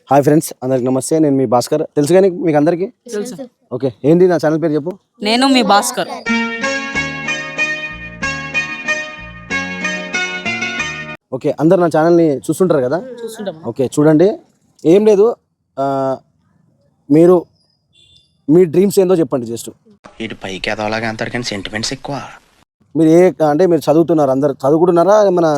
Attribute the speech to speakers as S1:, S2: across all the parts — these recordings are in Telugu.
S1: హాయ్ ఫ్రెండ్స్, అందరికి నమస్తే. నేను మీ భాస్కర్. తెలుసు కానీ మీకు అందరికి
S2: తెలుసు.
S1: ఓకే, ఏంటి నా ఛానల్ పేరు చెప్పు.
S2: నేను మీ భాస్కర్.
S1: ఓకే, అందరు నా ఛానల్ని చూస్తుంటారు కదా.
S2: చూస్తుంటాం.
S1: ఓకే, చూడండి. ఏం లేదు, మీరు మీ డ్రీమ్స్ ఏందో చెప్పండి. జస్ట్
S3: ఇటు పైకి ఎదవలాగా అంటారు కానీ సెంటిమెంట్స్ ఎక్కువ.
S1: మీరు అంటే మీరు చదువుతున్నారు, అందరు చదువుకుంటున్నారా? ఏమన్నా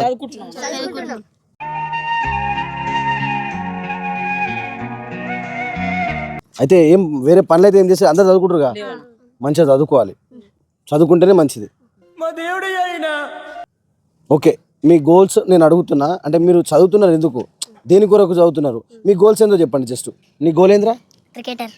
S1: అయితే ఏం వేరే పనులు అయితే ఏం చేస్తే అందరు చదువుకుంటారుగా. మంచిగా చదువుకోవాలి, చదువుకుంటేనే మంచిది. ఓకే, మీ గోల్స్ నేను అడుగుతున్నా. అంటే మీరు చదువుతున్నారు ఎందుకు, దేని కొరకు చదువుతున్నారు, మీ గోల్స్ ఏందో చెప్పండి. జస్ట్ నీ గోల్ ఏంద్రా?
S4: క్రికెటర్.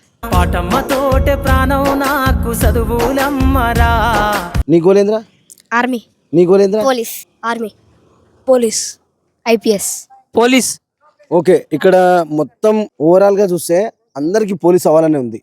S1: నీ గోల్ ఏంద్రా?
S4: ఆర్మీ.
S1: నీ గోల్ ఏంద్రా?
S4: Police. Army. Police. IPS.
S2: Police.
S1: Okay, ఇక్కడ మొత్తం ఓవరాల్ గా చూస్తే అందరికి పోలీస్ అవ్వాలనే ఉంది.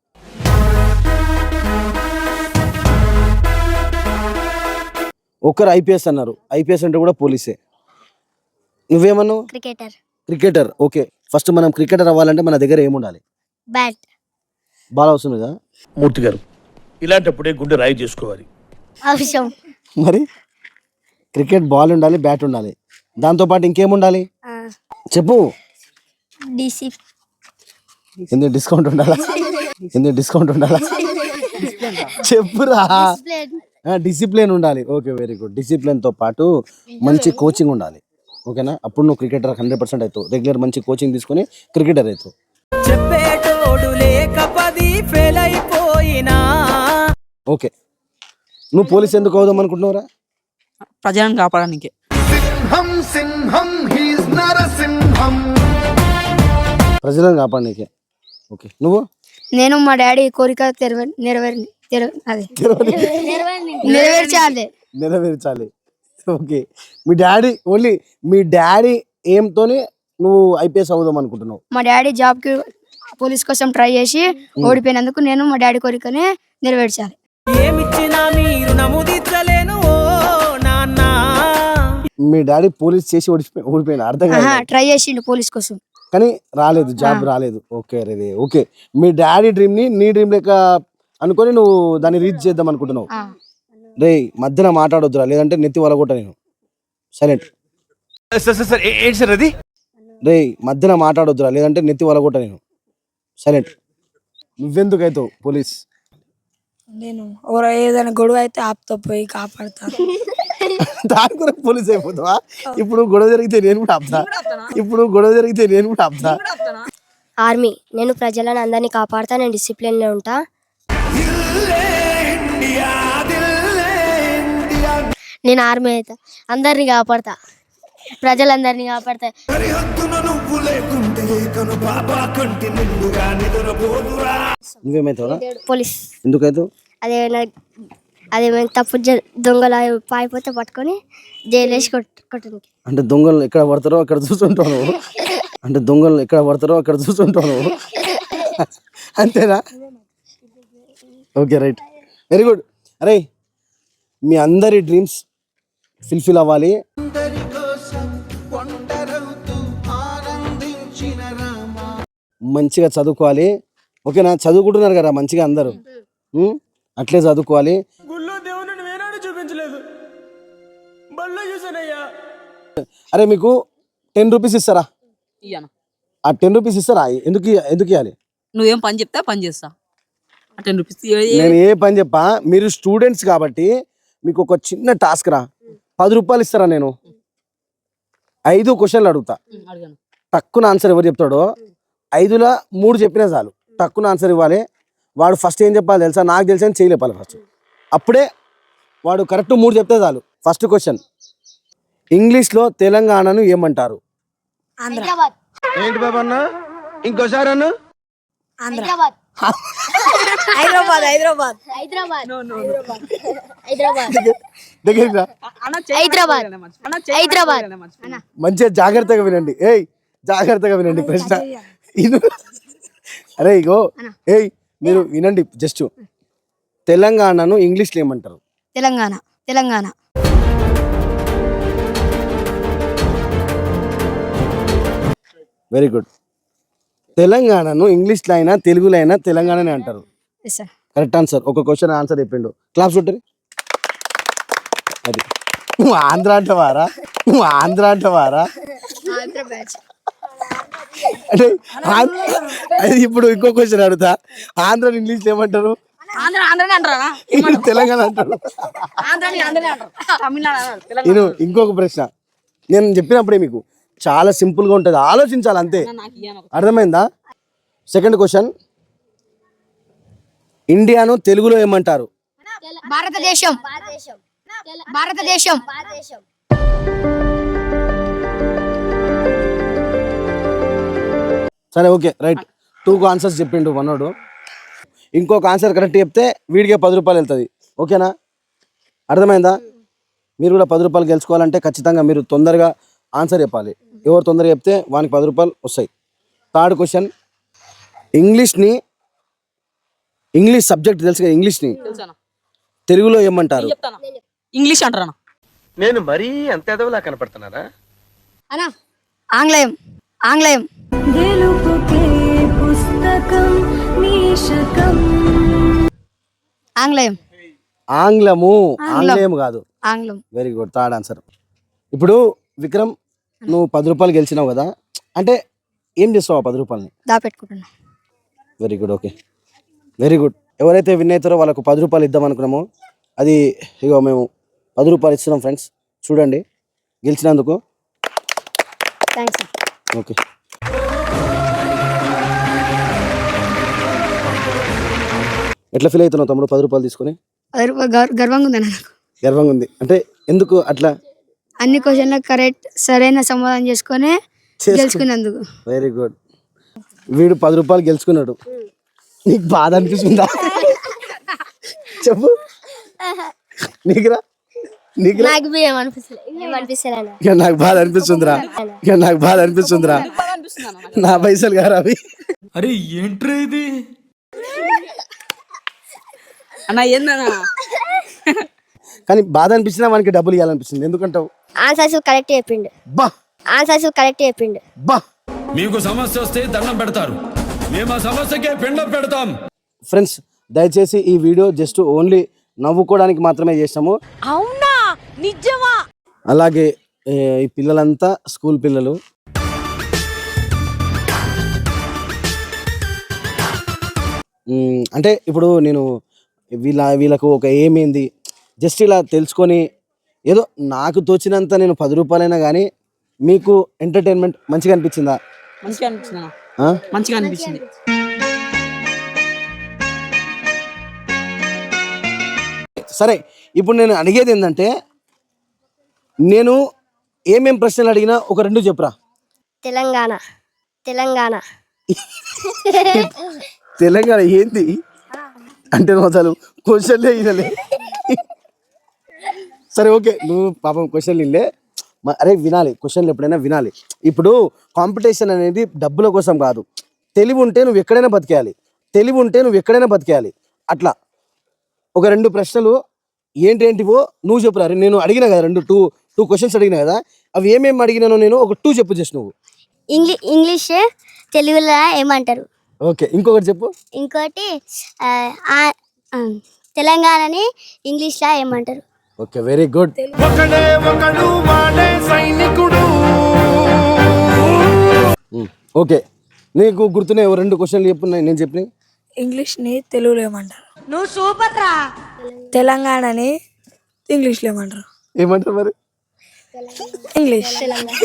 S1: ఒకరు ఐపీఎస్ అన్నారు. ఐపీఎస్ అంటే కూడా పోలీసే. నువ్వేమన్నావు?
S4: క్రికెటర్.
S1: క్రికెటర్. ఓకే, ఫస్ట్ మనం క్రికెటర్ అవ్వాలంటే మన దగ్గర ఏముండాలి?
S4: బ్యాట్.
S1: బాల్ అవసరం కదా
S5: మూర్తి గారు. ఇలాంటప్పుడే గుండె రాయి చేసుకోవాలి.
S4: అవసరం.
S1: మరి క్రికెట్ బాల్ ఉండాలి, బ్యాట్ ఉండాలి, దాంతో పాటు ఇంకేముండాలి చెప్పు.
S4: డిసి.
S1: ఎందుకు డిస్కౌంట్ ఉండాలా? ఎందుకు డిస్కౌంట్ ఉండాలా? చెప్పురా. డిసిప్లిన్ ఉండాలి. Okay, very good. డిసిప్లిన్ తో పాటు మంచి కోచింగ్ ఉండాలి. ఓకేనా? అప్పుడు నువ్వు క్రికెటర్ 100% అవుతావు. రెగ్యులర్ మంచి కోచింగ్ తీసుకొని క్రికెటర్ అవుతావు. ఓకే, నువ్వు పోలీస్ ఎందుకు అవుదాం అనుకుంటున్నావురా?
S2: ప్రజలను కాపాడడానికి.
S1: ప్రజలను కాపాడనీకే. ఓకే, నువ్వు?
S4: నేను మా డాడీ కోరిక
S1: నెరవేర్చాలి. ఓకే, మీ డాడీ ఓన్లీ మీ డాడీ ఏంతోనే నువ్వు ఐపీఎస్ అవుదాం అనుకుంటున్నావు?
S4: మా డాడీ జాబ్ కి పోలీస్ కోసం ట్రై చేసి ఓడిపోయినందుకు నేను మా డాడీ కోరికనే నెరవేర్చాలి.
S1: మీ డాడీ పోలీస్ చేసి ఓడిపోయిన అర్థం కాదు.
S4: ట్రై చేసిండు పోలీస్ కోసం
S1: కానీ రాలేదు, జాబ్ రాలేదు. ఓకే రే. ఓకే, మీ డాడీ డ్రీమ్ ని నీ డ్రీమ్ లెక్క అనుకొని నువ్వు దాన్ని రీచ్ చేద్దాం అనుకుంటున్నావు. రే, మధ్యన మాట్లాడొద్దురా, లేదంటే నెత్తి వలగొట్ట నేను. సైలెంట్. రే, మధ్యన మాట్లాడొద్దురా, లేదంటే నెత్తి వలగొట్ట నేను. సైలెంట్. నువ్వెందుకు అవుతావు పోలీస్?
S6: నేను ఏదైనా గొడవ అయితే ఆపుతో పోయి కాపాడతా.
S1: దాని కూడా పోలీస్ అయిపోతావా? ఇప్పుడు గొడవ జరిగితే నేను కూడా ఆపుతా.
S4: ఆర్మీ. నేను ప్రజలను అందరినీ కాపాడుతా. నేను డిసిప్లిన్ లో ఉంటా. నేను ఆర్మీ అయితే అందరినీ కాపాడతా, ప్రజలందరినీ కాపాడతా.
S1: నువ్వేమైతావురా?
S4: పోలీస్.
S1: ఎందుకైతావు?
S4: అదేమైనా తప్పు దొంగలు పాయిపోతే పట్టుకొని జైలు వేసి కొట్టడానికి.
S1: అంటే దొంగలు ఎక్కడ పడతారో అక్కడ చూస్తుంటాను. అంతేనా? Okay, right, very good. అరే, మీ అందరి డ్రీమ్స్ ఫుల్ఫిల్ అవ్వాలి. మంచిగా చదువుకోవాలి. ఓకేనా? చదువుకుంటున్నారు కదా మంచిగా అందరూ, అట్లే చదువుకోవాలి. అరే, మీకు 10 రూపీస్ ఇస్తారా? ఆ 10 రూపీస్ ఇస్తారా? ఎందుకు ఇవ్వాలి?
S2: నువ్వేం పని చెప్తా పని చేస్తా. 10 రూపీస్.
S1: నేను ఏ పని చెప్పా, మీరు స్టూడెంట్స్ కాబట్టి మీకు ఒక చిన్న టాస్క్ రా. 10 రూపాయలు ఇస్తారా? నేను 5 క్వశ్చన్లు అడుగుతా. తక్కువ ఆన్సర్ ఎవరు చెప్తాడో 5లో 3 చెప్పినా చాలు. తక్కువ ఆన్సర్ ఇవ్వాలి. వాడు ఫస్ట్ ఏం చెప్పాలి తెలుసా? నాకు తెలిసి అని చేయలేపాలి ఫస్ట్. అప్పుడే వాడు కరెక్ట్ 3 చెప్తే చాలు. ఫస్ట్ క్వశ్చన్, ఇంగ్లీష్లో తెలంగాణను ఏమంటారు? ఏంటి బాబా అన్న? ఇంకోసారి అన్న. మంచిగా జాగ్రత్తగా వినండి. జాగ్రత్తగా వినండి ప్రశ్న. అరే ఇగో, మీరు వినండి జస్ట్. తెలంగాణను ఇంగ్లీష్లో ఏమంటారు?
S4: తెలంగాణ.
S1: Very good. తెలంగాణను ఇంగ్లీష్లో అయినా తెలుగులో అయినా తెలంగాణనే అంటారు.
S4: Yes sir.
S1: Correct answer. ఒక క్వశ్చన్ ఆన్సర్ చెప్పిండు. క్లాప్స్ కొట్టండి. అది నువ్వు ఆంధ్ర అంటవారా?
S4: ఆంధ్ర బ్యాచ్.
S1: అంటే అది ఇప్పుడు ఇంకో క్వశ్చన్ అడుగుతా. ఆంధ్ర ఇంగ్లీష్లో ఏమంటారు? తెలంగాణ అంటారు. నేను ఇంకొక ప్రశ్న నేను చెప్పినప్పుడే మీకు చాలా సింపుల్ గా ఉంటుంది, ఆలోచించాలి అంతే. అర్థమైందా? సెకండ్ క్వశ్చన్, ఇండియాను తెలుగులో ఏమంటారు?
S4: భారతదేశం. భారతదేశం.
S1: సరే ఓకే రైట్. 2 ఆన్సర్స్ చెప్పిండు మనోడు. ఇంకొక ఆన్సర్ కరెక్ట్ చెప్తే వీడికే 10 రూపాయలు వెళ్తుంది. ఓకేనా? అర్థమైందా? మీరు కూడా 10 రూపాయలు గెలుచుకోవాలంటే ఖచ్చితంగా మీరు తొందరగా ఆన్సర్ చెప్పాలి. ఎవరు తొందరగా చెప్తే వానికి 10 రూపాయలు వస్తాయి. థర్డ్ క్వశ్చన్, ఇంగ్లీష్ సబ్జెక్ట్ తెలుసు కదా, ఇంగ్లీష్ని తెలుగులో ఏమంటారు?
S2: ఇంగ్లీష్ అంటారా?
S5: నేను మరీ అంత ఎదవలా కనపడుతున్నారా?
S4: అనా ఆంగ్లేయం. ఆంగ్లేయం. ఆంగ్లేయం.
S1: ఆంగ్లేయం కాదు.
S4: ఆంగ్లం.
S1: Very good. Third answer. ఇప్పుడు విక్రమ్, నువ్వు 10 రూపాయలు గెలిచినావు కదా, అంటే ఏం చేస్తావు ఆ 10 రూపాయలని?
S4: దాపెట్టుకుంటున్నా.
S1: Very good. Okay, very good. ఎవరైతే విన్ అవుతారో వాళ్ళకు 10 రూపాయలు ఇద్దాం అనుకున్నామో అది ఇగో మేము 10 రూపాయలు ఇస్తున్నాం ఫ్రెండ్స్. చూడండి గెలిచినందుకు.
S4: Thanks sir.
S1: ఓకే, ఎట్లా ఫీల్ అవుతున్నావు తమ్ముడు 10 రూపాయలు తీసుకొని?
S4: 10 రూపాయలు గర్వంగా ఉందన్న నాకు.
S1: గర్వంగా ఉంది అంటే ఎందుకు అట్లా?
S4: అన్ని క్వశ్చన్లకు కరెక్ట్ సరైన సమాధానం చేసుకొని గెలుచుకున్నందుకు.
S1: Very good. వీడు 10 రూపాయలు గెలుచుకున్నాడు. నీకు బాధ అనిపిస్తుందా? చెప్పు. నీకురా?
S4: నాకు
S1: బాధ అనిపిస్తుందిరా. నాకు బాధ అనిపిస్తుందిరా. నా పైసలు గారు అవి.
S7: అరే ఏంట్రా ఇది?
S2: అన్న ఏందన్నా?
S1: కానీ బాధ అనిపించినా మనకి డబ్బులు ఇవ్వాలనిపిస్తుంది. ఎందుకంటావు?
S4: ఆన్సర్స్ కరెక్ట్ చెప్పిండు.
S1: బా
S7: మీకు సమస్య వస్తే దండం పెడతారు, మేము ఆ సమస్యకే పిండం పెడతాం.
S1: ఫ్రెండ్స్, దయచేసి ఈ వీడియో జస్ట్ ఓన్లీ నవ్వుకోవడానికి మాత్రమే చేసాము.
S8: అవునా? నిజమా?
S1: అలాగే ఈ పిల్లలంతా స్కూల్ పిల్లలు. అంటే ఇప్పుడు నేను వీళ్ళకు ఒక ఏమైంది జస్ట్ ఇలా తెలుసుకొని ఏదో నాకు తోచినంత నేను 10 రూపాయలైనా కానీ మీకు ఎంటర్టైన్మెంట్ మంచిగా అనిపించిందా?
S2: మంచిగా అనిపించింది. మంచిగా అనిపించింది.
S1: సరే, ఇప్పుడు నేను అడిగేది ఏంటంటే, నేను ఏమేం ప్రశ్నలు అడిగినా ఒక 2 చెప్పురా.
S4: తెలంగాణ.
S1: తెలంగాణ ఏంది అంటే అసలు క్వశ్చన్లే ఇదలే. సరే ఓకే, నువ్వు పాపం క్వశ్చన్లు ఇల్లే. అరే వినాలి, క్వశ్చన్లు ఎప్పుడైనా వినాలి. ఇప్పుడు కాంపిటీషన్ అనేది డబ్బుల కోసం కాదు. తెలివి ఉంటే నువ్వు ఎక్కడైనా బతికేయాలి. అట్లా ఒక 2 ప్రశ్నలు ఏంటివో నువ్వు చెప్పురా. నేను అడిగినా కదా టూ క్వశ్చన్స్ అడిగినా కదా, అవి ఏమేమి అడిగినానో నేను ఒక 2 చెప్పు చేసి నువ్వు.
S4: ఇంగ్లీష్ తెలుగులో ఏమంటారు?
S1: ఓకే, ఇంకొకటి చెప్పు.
S4: ఇంకోటి తెలంగాణని ఇంగ్లీష్లో ఏమంటారు?
S1: Okay, very good. ఓకే, నీకు గుర్తున్నాయి 2 క్వశ్చన్లు చెప్పు నేను చెప్పినాయి.
S6: ఇంగ్లీష్ని తెలుగులో ఏమంటారు?
S8: నువ్వు సూపర్ రా.
S6: తెలంగాణని ఇంగ్లీష్లో ఏమంటారు?
S1: ఏమంటారు మరి?
S6: ఇంగ్లీష్.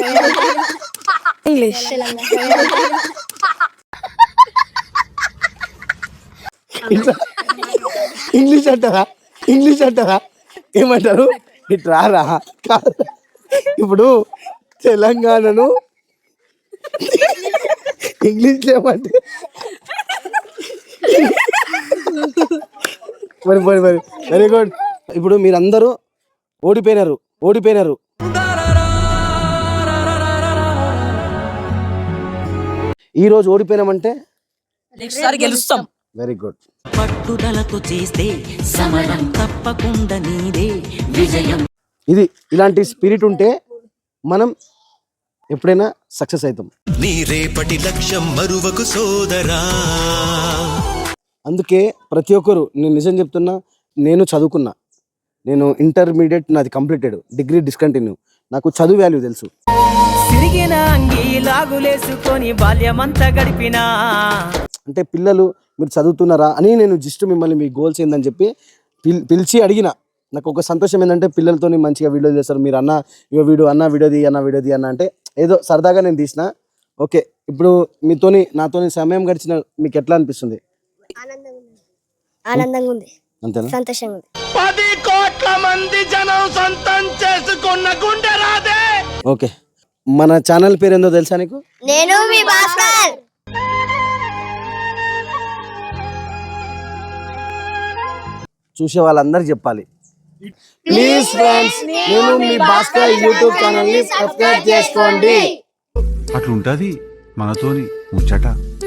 S1: ఇంగ్లీష్ అంటారా? ఏమంటారు? ఇట్రారా. ఇప్పుడు తెలంగాణను ఇంగ్లీష్ ఏమంటే మరి వెరీ గుడ్. ఇప్పుడు మీరందరూ ఓడిపోయినారు. ఈ రోజు ఓడిపోయినామంటే
S2: నెక్స్ట్ సారి గెలుస్తాం.
S1: Very good.
S9: పట్టుదలతో చేస్తే సమరం తప్పకుండా నీదే విజయం.
S1: ఇది ఇలాంటి స్పిరిట్ ఉంటే మనం ఎప్పుడైనా సక్సెస్ అవుతాం.
S10: నీ రేపటి లక్ష్యం మరువకు సోదరా.
S1: అందుకే ప్రతి ఒక్కరు, నేను నిజం చెప్తున్నా, నేను చదువుకున్నా, నేను ఇంటర్మీడియట్ నాది కంప్లీటెడ్, డిగ్రీ డిస్కంటిన్యూ, నాకు చదువు వాల్యూ తెలుసు.
S9: సిరిగిన అంగి లాగులేసుకొని బాల్యమంతా గడిపినా
S1: అంటే పిల్లలు మీరు చదువుతున్నారా అని నేను జస్ట్ మిమ్మల్ని మీ గోల్స్ ఏందని చెప్పి పిలిచి అడిగిన. నాకు ఒక సంతోషం ఏంటంటే పిల్లలతో మంచిగా వీడియో చేస్తారు. మీరు అన్న ఇగో వీడియోది అన్న అంటే ఏదో సరదాగా నేను తీసిన. ఓకే, ఇప్పుడు నాతోని సమయం గడిచిన మీకు ఎట్లా అనిపిస్తుంది?
S4: ఆనందంగా ఉంది,
S1: అంతేనా?
S4: సంతోషంగా ఉంది.
S5: 10 కోట్ల మంది జనం సొంతం చేసుకున్న గుండె రాదే.
S1: ఓకే, మన ఛానల్ పేరు ఏందో తెలుసా నీకు?
S4: నేను మీ భాస్కర్.
S1: చూసే వాళ్ళందరూ చెప్పాలి, ప్లీజ్ ఫ్రెండ్స్, నేను మీ భాస్కర్ యూట్యూబ్ ఛానల్ ని సబ్స్క్రైబ్ చేసుకోండి.
S7: అట్లుంటది మనతోని ముచ్చట.